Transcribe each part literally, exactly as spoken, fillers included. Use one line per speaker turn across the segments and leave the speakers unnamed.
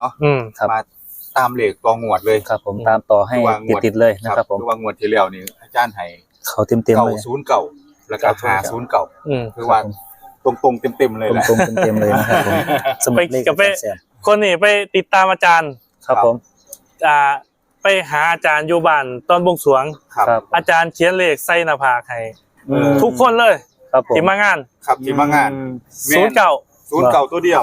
นาะ
อืม
มาตามเลขต่องวดเลย
ครับผมตามต่อให้ติดๆเลยนะครับผม
คือว่างวดที่แล้วนี่อาจารย์ให้
เขาเต็มๆเลย
เก้าศูนย์เก้าแล้วก็ห้าศูนย์เก้าคือว่าตรงๆเต็มๆเลยแหละ
ตรงๆเต็มๆเลยนะครับผมสมุดเลขกับแสน
คนนี้ไปติดตามอาจารย์
ครับผม
อ่าไปหาอาจารย์อยู่บ้านตอนบวงสรวง
ครับ
อาจารย์เขียนเลขใส่หน้าผากให้ทุกคนเลยที่มางาน
ครับที่มางาน
ศูนย์เก้า
ศูนย์เก้าตัวเดียว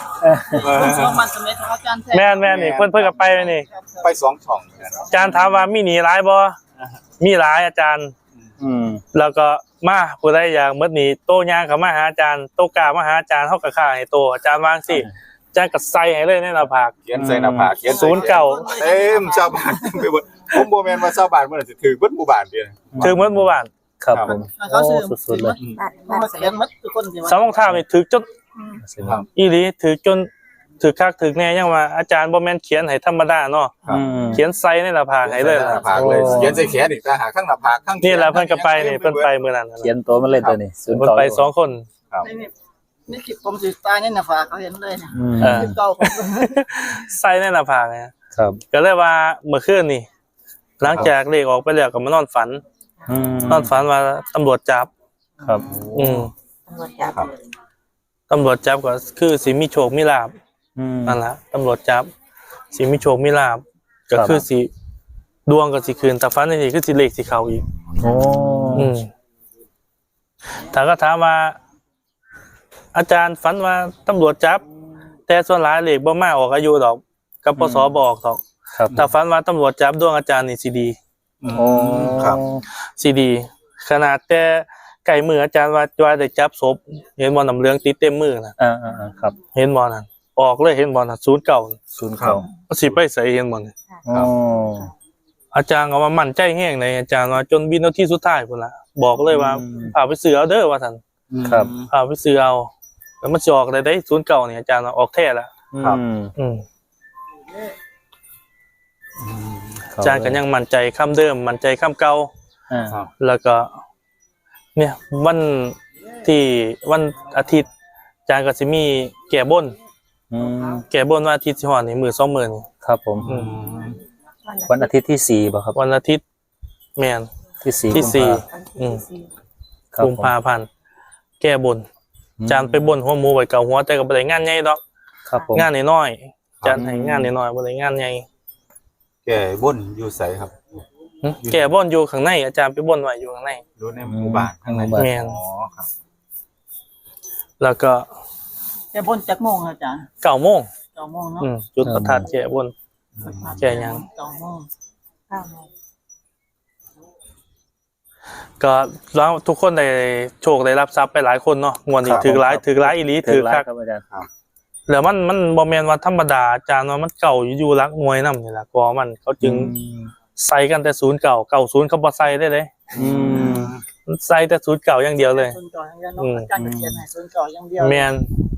แม่นแม่นนี่เพิ่นเพิ่นก็ไปนี่
ไปสองช่อง
อาจารย์ถามว่ามีหนีหลายบ่มีหลายอาจารย์
อืม
แล้วก็มาผู้ใดอยากหมดหนีโตย่างเข้ามาหาอาจารย์โตกล้ามาหาอาจารย์เฮาก็ค่าให้โตอาจารย์วางสิอาจารย์ก็ใส่ให้เลยในหน้าผาก
เขียนใส่หน้าผากเขียน
ศูนย์เก้า
เต็มชาวบ้านไปหมดผมบ่แม่นว่าชาวบ้านเพิ่นสิถือเบิดหมู่บ้านเด้อ
ถือหมดหมู่บ้าน
ครับผมโอ้สุดๆเลย
สองรองเท้านี่ถือจนอีหลีถือจนถือคักถือแน่ยังว่าอาจารย์บ่แม่นเขียนให้ธรรมดาเนาะเขียนใส่ในหน้าผากให้เลย
หน้าผากเลยเขียนใส่แขนอีกต่างหากข้างหน้าผากข้าง
นี่แหละเพิ่นก็ไปนี่เพิ่นไปมื้อนั้น
เขียนตัวมันเลยตัวนี้
ศูนย์เก้าไปสองคน
ครับ
นี่คลิปผมสิตายในหน้าผากเขาเห็นเลยนะคลิปเก่า
ใส่ในหน้าผากนะครับก็เลยว่าเมื่อคืนนี่หลังจากเลขออกไปแล้วก็มานอนฝันนอนฝันว่าตำรวจจับ
ครับ
อืมตำรวจจับตำรวจจับก็คือสิมีโชคมีลาภนั่นแหละตำรวจจับสิมีโชคมีลาภก็คือสิดวงก็สิคืนแต่ฝันนี่คือสิเลขสิเข้าอีก
โอ้
อืมถ้าก็ถามว่าอาจารย์ฝันว่าตำรวจจับแต่ส่วนหลายเลขบ่มาออกอายุดอกกับปสบอกดอกแต่ฝันว่าตำรวจจับดวงอาจารย์นี่สิดี
โอ้
ครับสิดีขนาดแต่ไก่มืออาจารย์ว่าว่าได้จับศพเห็นบ่น้ำเหลืองติดเต็มมือน่ะ
อ่าๆครับ
เห็นบ่นั่นออกเลยเห็นบ่น่ะศูนย์เก้า
ศูนย์เก้า
สิไปใส่เห็นบ่นี่
อ๋อ
อาจารย์ก็ว่ามั่นใจแฮงในอาจารย์ว่าจนวินาทีสุดท้ายพุ่นล่ะบอกเลยว่าเอาไปซื้อเอาเด้อว่าซั่น
ครับ
เอาไปซื้อเอาแล้วมันสิออกได้ได้ศูนย์เก้านี่อาจารย์ว่าออกแท้แล้ว
ครับ
อืมอาจารย์ก็ยังมั่นใจคำเดิมมั่นใจคำเก่า
อ่า
แล้วก็เนี่ยวันที่วันอาทิตย์อาจารย์ก็สิมีแก้บน
อืม
แก้บนวันอาทิตย์สิฮอดนี่มื้อสองมื้อนี่
ครับผมวันอาทิตย์ที่สี่บ่ครับ
วันอาทิตย์แม่น
ที่สี่
ที่สี่อืมกุมภาพันธ์แก้บนอาจารย์ไปบนหัวหมูไว้เก่าหัวแต่ก็บ่ได้งานใหญ่ดอก
ครับผม
งานน้อยๆอาจารย์ให้งานน้อยๆบ่ได้งานใหญ่
แก้บนอยู่ไสครับ
แก้บนอยู่ข้างในอาจารย์ไปบนไว้อยู่ข้างใน
อยู่ในหมู่บ้านข้างใน
แม่น
อ๋อครับ
แล้วก็
แก้บนจักโมงอาจารย์
เก้าโมง
เก้าโมงเนาะ
อืมจุดประทัดแก้บนแก้หยัง
เก้าโมง เก้าโมง
ก็แล้วทุกคนได้โชคได้รับทรัพย์ไปหลายคนเนาะงวดนี้ถือหลายถือหลายอีหลีถือคัก
ครับอาจารย์ครับ
แล้วมันมันบ่แม่นว่าธรรมดาอาจารย์ว่ามันเก่าอยู่ๆรักมวยนำนี่ล่ะก็มันเขาจึงใส่กันแต่ศูนย์เก้า เก้าศูนย์เขาบ่ใส่ได้เลย
อืม
ใส่แต่ศูนย์เก้าอย่างเดียวเลย
ศูนย์เก้าอย่างเดียวเนาะอาจารย์เขียนให้ศูนย์เก้าอย่างเดียว
แม่น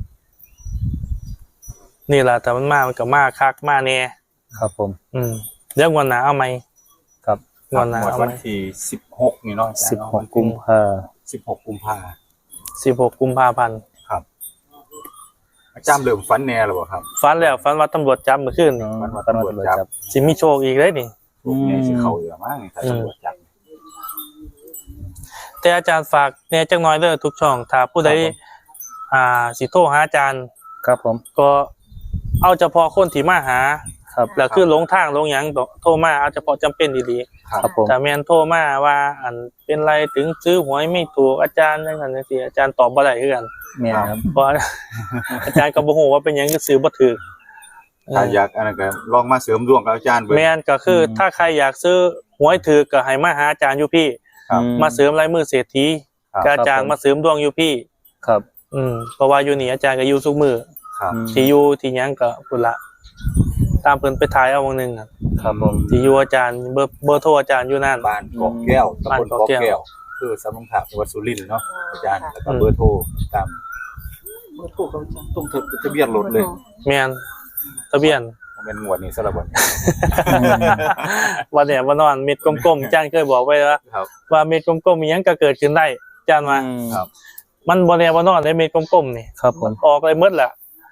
นี่ล่ะแต่มันมามันก็มาคักมาแน่
ครับผม
อืมเรื่องวันหน้าเอาใหม่
ครับ
วันหน้าเอา
วันที่สิบหกนี่เนาะ
สิบหกกุมภาพันธ์
สิบหกกุมภาพันธ์
สิบหกกุมภาพันธ์
ครับอาจารย์เริ่มฝันแน่แล้วบ่ครับ
ฝันแล้วฝันว่าตำรวจจับเมื่อคืนนี่
ฝันว่าตำรวจจับ
สิมีโชคอีกเด้นี่
อืมสิเข้าอยู่มั้งถ้าตำรวจจับ
แต่อาจารย์ฝากแน่จักหน่อยเด้อทุกช่องถ้าผู้ใดอ่าสิโทรหาอาจารย์
ครับผม
ก็เอาเฉพาะคนที่มาหา
ครับ
แล้วคือหลงทางหลงหยังโทรมาเอาเฉพาะจำเป็นดี
ๆครับผม
ถ้าแม่นโทรมาว่าอันเป็นไรถึงซื้อหวยไม่ถูกอาจารย์จังซั่นจังซี่อาจารย์ตอบบ่ได้คือกัน
แม่นครับ
เพราะอาจารย์ก็บ่ฮู้ว่าเป็นหยังคือซื้อบ่ถูก
ถ้าอยากอันนั้นก็ลองมาเสริมดวงกับอาจารย์เบิ่ง
แม่นก็คือถ้าใครอยากซื้อหวยถูกก็ให้มาหาอาจารย์อยู่พี่มาเสริมลายมือเศรษฐีกับอาจารย์มาเสริมดวงอยู่พี่
ครับ
อืมเพราะว่าอยู่นี่อาจารย์ก็อยู่ทุกมื้อ
ครับ
ที่อยู่ที่หยังก็พุ่นละตามเพิ่นไปถ่ายเอาวงนึง
ครับผม
ที่อยู่อาจารย์เบอร์เบอร์โทรอาจารย์อยู่นั่น
บ้านกอกแก้วตำบลกอกแก้วคือสำนักข่าวจังหวัดสุรินทร์เนาะอาจารย์แล้วก็เบอร์โทรตาม
เบอร์โทรของ
ตรงทะเบียนรถเลย
แม่นทะเบียน
เป็นงวดนี้ซะละบ่
วันเนี่ยวันนอนเม็ดกลมๆอาจารย์เคยบอกไว้ว่าว่าเม็ดกลมๆมีหยังก็เกิดขึ้นได้อาจารย์ว่า
ครับ
มันบ่แน่บ่นอนได้เม็ดกลมๆนี่
ครับผม
ออกเลยหมดแหละ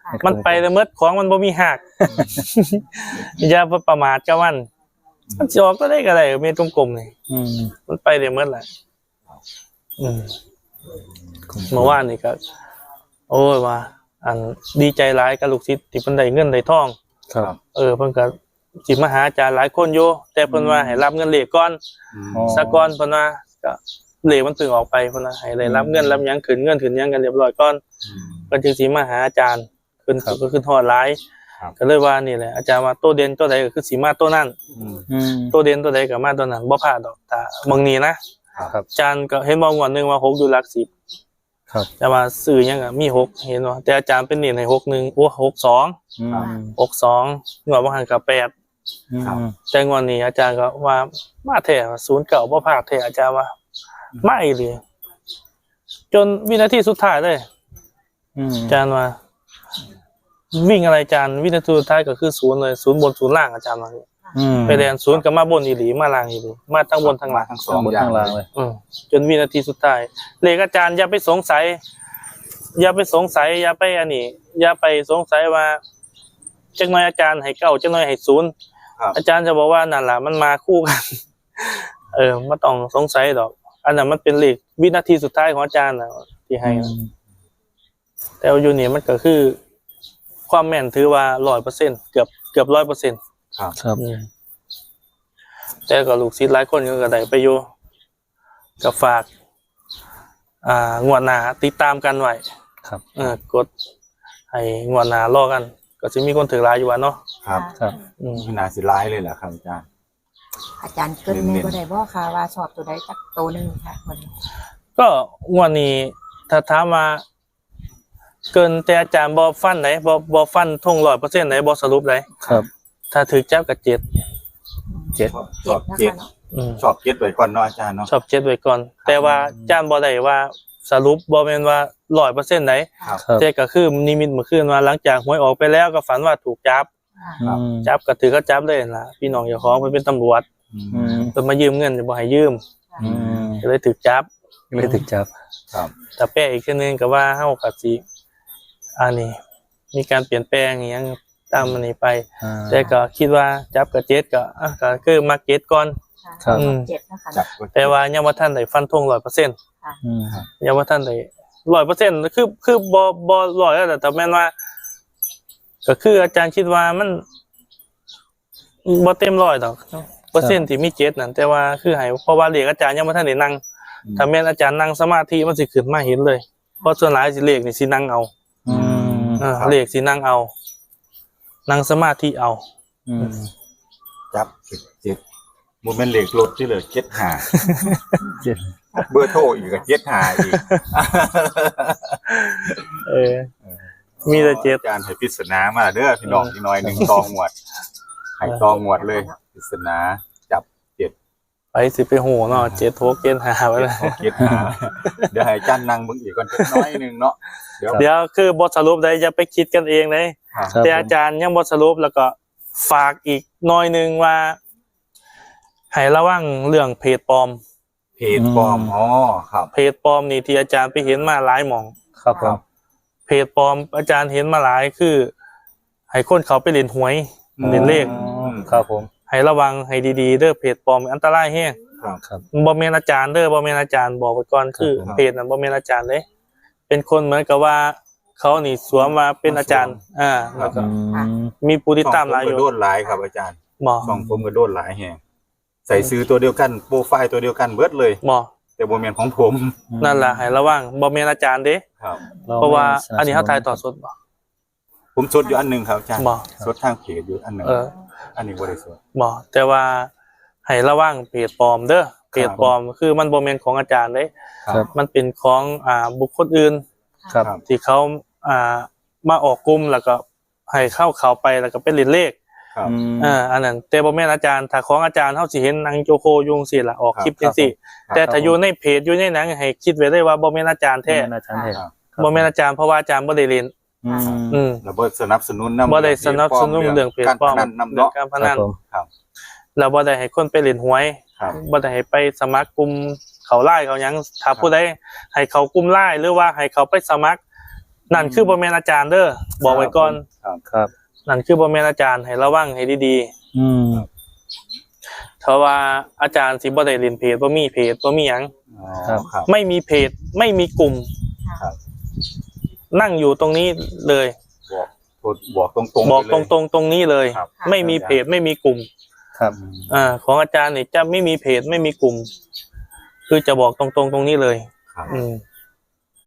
มันไปแล้วเมดของมันบ่มีหัก อย่าประมาทกับมันมันสิออกก็ได้ก็ได้เม็ดกลมๆนี่
อืม
มันไปได้เมดแหละอืมเมื่อวานนี่ก็โอ้ยว่าอันดีใจหลายกับลูกศิษย์ที่เพิ่นได้เงินได้ทอง
ครับ
เออเพิ่นก็สิมาหาอาจารย์หลายคนอยู่แต่เพิ่นว่าให้รับเงินเลขก่อน
อ๋อ
ซะก่อนเพิ่นว่าก็เลขมันเพิ่งออกไปเพิ่นว่าให้ได้รับเงินรับหยังขึ้นเงินขึ้นหยังกันเรียบร้อยก่อนเพิ่นจึงสิมาหาอาจารย์ขึ้นก็ขึ้นฮอดหลายก็เลยว่านี่แหละอาจารย์ว่าตัวเด่นตัวใดก็คือสิมาตัวนั้น
อืม
ตัวเด่นตัวใดก็มาตัวนั้นบ่พลาดดอกถ้าบางนี้นะครับ อาจารย์ก็เห็นบ่งวดหนึงว่าหกอยู่หลักสิบ
ครับ
แต่ว่าซื้อหยังก็มีหกเห็นบ่แต่อาจารย์เป็นเน้นให้หกหนึ่งโอ้หกสอง
อืม
หกสองงวดบ่หันก็แปด
อืม
แต่งวดนี้อาจารย์ก็ว่ามาแท้ศูนย์เก่าบ่พลาดแท้อาจารย์ว่ามาอีหลีจนวินาทีสุดท้ายเลย
อืม
อาจารย์ว่าวิ่งอะไรอาจารย์วินาทีสุดท้ายก็คือศูนย์เลยศูนย์บนศูนย์ล่างอาจารย์ว่า
อืม
ไปแดนศูนย์ก็มาบนอีหลีมาล่างอีหลีมาทั้งบนทั้งล่าง
ทั้งสอ
ทั้
ง
งบน
อย่า
ทั้
ง
งล่างเลย
อืมจนวินาทีสุดท้ายเลขอาจารย์อย่าไปสงสัย อย่าไปสงสัย อย่าไปอันนี้ อย่าไปสงสัยว่าจักหน่อยอาจารย์ให้เก้าจักหน่อยให้ศูนย์
ครับ
อาจารย์จะบอกว่านั่นแหละมันมาคู่กัน เออไม่ต้องสงสัยดอก อันนั้นมันเป็นเลขวินาทีสุดท้ายของอาจารย์นะที่ให้นะแต่ว่าอยู่นี่มันก็คือ ความแม่นถือว่าร้อยเปอร์เซ็นเกือบเกือบร้อยเปอร์เซ็นต์
ครับ
ครับ
แต่ก็ลูกศิษย์หลายคนก็ได้ไปอยู่กับฝาก อ่างวดหน้าติดตามกันไว้
ครับ
เออกดให้งวดหน้ารอกัน ก็สิมีคนถือหลายอยู่ว่าเนาะ
ครับ
ครับ
อืม
ขนาดสิร้ายเลยเหรอครับอาจารย์
อาจารย์เกินแม่บ่ได้บ่ค่ะว่าชอบตัวใดจักตัวหนึงค่ะวันนี้
ก็งวดนี้ถ้าถามมาเกินแต่อาจารย์บอฟันไหนบอบอฟันทงร้อยเปอร์เซ็นต์ไหนบอสรุปไหน
ครับ
ถ้าถือจับกับเจ็ด
เจ็ด
ชอบเจ็ด
นะคะเนาะ
อืม
ชอบเจ็ดไว้ก่อนเนาะอาจารย์เนาะ
ชอบเจ็ดไว้ก่อน แต่ว่าอาจารย์บอได้ว่าสรุปบอเป็นว่าร้อยเปอร์เซ็นต์ไหน
ครับ
ครับ
แต่ก็คือนิมิตเมื่อคืนว่าหลังจากหวยออกไปแล้วก็ฝันว่าถูกจับ
ค่ะ
อืม
จับก็ถือก็จับเลยล่ะพี่น้องเจ้าของเพิ่นเป็นตำรวจ
อืม
เพิ่นมายืมเงินจะบ่ให้ยืม
อืม
ก็เลยถูกจับ
เลยถึกจับ
ครับ
แต่แปลอีกทีนึงก็ว่าเฮาก็สิอันนี้มีการเปลี่ยนแปลงอหยังตามมันนี้ไป
อ่า
แต่ก็คิดว่าจับกับเจ็ดก็อ่ะก็คือมาเก็ตก่อน
ครับ
อืม
เจ็ดนะคะ
จับ
เนาะ
แต่ว่ายังว่าท่านได้ฟันธงร้อยเปอร์เซ็นต์
อืม
ยังว่าท่านได้ร้อยเปอร์เซ็นต์คือคือบอบอร้อยแล้วแต่แต่แม่นว่า ก็คืออาจารย์คิดว่ามันบ่เต็มร้อยดอกเปอร์เซ็นต์ที่มีเจ็ดนั่นแต่ว่าคือให้เพราะว่าเรียกอาจารย์ยังว่าท่านได้นั่งถ้าแม่นอาจารย์นั่งสมาธิมันสิขึ้นมาเห็นเลยเพราะส่วนหลายสิเลขนี่สินั่งเอา
อืม
อ่าเลขสินั่งเอา นั่งสมาธิเอา
อืม
จับเจ็ดโมเมนต์เหล็กรถที่เหลือเจ็ดหา
เจ็ด
เบอร์โทรอีกก็เจ็ดหาอีก
เออ มีแต่เจ็ด
อาจารย์ให้ปริศนามาเด้อพี่น้องพี่น้อยหนึ่งตองหมวดให้ตองหมวดเลยปริศนาจับเจ็ด
ไปสิไปโหเนาะเจ็ดโทกเกณฑ์หาไว้เลย
เจ็ดหาเดี๋ยวให้อาจารย์นั่งเบิ่งอีกก่อนจักหน้อยหนึงเนาะเดี๋ยว
เดี๋ยวคือบทสรุปได้อย่าไปคิดกันเองเลย
ครับ
ครับ
แต่อาจารย์ยังบทสรุปแล้วก็ฝากอีกหน่อยหนึงว่าให้ระวังเรื่องเพจปลอม
เพจปลอมอ๋อครับ
เพจปลอมนี่ที่อาจารย์ไปเห็นมาหลายหม่อง
ครับผม
เพจปลอมอาจารย์เห็นมาหลายคือให้คนเขาไปเล่นหวยเล่นเลข
อืมครับผม
ให้ระวังให้ดีๆเด้อเพจปลอมอันตรายแฮง
ครับ
ครับ
บ่แม่นอาจารย์เด้อบ่แม่นอาจารย์บอกไว้ก่อนคือ
ครับ
เพจนั้นบ่แม่นอาจารย์เลยเป็นคนเหมือนกับว่าเขานี่สวมมาเป็นอาจารย์ อ่าแล้วก็
อืม
มีผู้ติด
ช่อง
ตาม
ผม
หลายอ
ก็
ยู่
โดนหลายครับอาจารย์
หมอ
ช่องผมก็โดนหลายแฮงใส่ซื้อตัวเดียวกันโปรไฟล์ตัวเดียวกันเบิดเลย
หมอ
แต่บ่แม่นของผม
นั่นล่ะให้ระวังบ่แม่นอาจารย์เด้
ครับ
เพราะว่าอันนี้เฮาถ่ายทอดสดบ่
ผมสดอยู่อันหนึงครับอาจารย์
บ่
สดทางเพจอยู่อันหนึง
เออ
อันนี้บ่ได้สด
บ่แต่ว่าให้ระวังเพจปลอมเด้อเพจปลอมคือมันบ่แม่นของอาจารย์เด้
ครับ
มันเป็นของอ่าบุคคลอื่น
ครับ
ครับ
ที่เขาอ่ามาออกกลุ่มแล้วก็ให้เข้าเขาไปแล้วก็เป็นเล่นเลข
ครับ
อืม
อ่าอันนั้นแต่บ่แม่นอาจารย์ถ้าของอาจารย์เฮาสิเห็นนางโจโคยุงสิล่ะออกคลิปจังซี่
ครับ
แต่ถ้าอยู่ในเพจอยู่ในหนังให้คิดไว้ได้ว่าบ่แม่นอาจารย์แท้
แม่นอาจารย์แท้
ครับ
บ่แม่นอาจารย์เพราะว่าอาจารย์บ่ได้เรียน
อืม
อืม
แล้วบ่สนับสนุนนำ
บ่ได้สนับสนุนเรื่องเพจปลอม
การพนันนำ
เรื่อง
เนาะ
การพ
ค
นั
รับ
น
ผม
ครับ
แล้วบ่ได้ให้คนไปเล่นหวย
ครับ
บ่ได้ให้ไปสมัครกลุ่มเขาไล่เขาหยังถ้าผู้ใดให้เขากลุ่มไล่หรือว่าให้เขาไปสมัครนั่นคือบ่แม่นอาจารย์เด้อบอกไว้ก่อน
ครับ
นั่นคือบ่แม่นอาจารย์ให้ระวังให้ดีๆ
อืม
เพราะว่าอาจารย์สิบ่ได้เล่นเพจบ่มีเพจบ่มีหยัง
อ๋อ
ครับ
ครับ
ไม่มีเพจไม่มีกลุ่ม
ครับ
นั่งอยู่ตรงนี้เลย
บอกบอกตรงๆ
บอก
ไป
ต
เลย
รงๆตรงนี้เลย
ครับ
ไม่มีเพจไม่มีกลุ่ม
ครับ
อ่าของอาจารย์นี่จะไม่มีเพจไม่มีกลุ่ม คือจะบอกตรงๆตรงนี้เลย
ครับ
อืม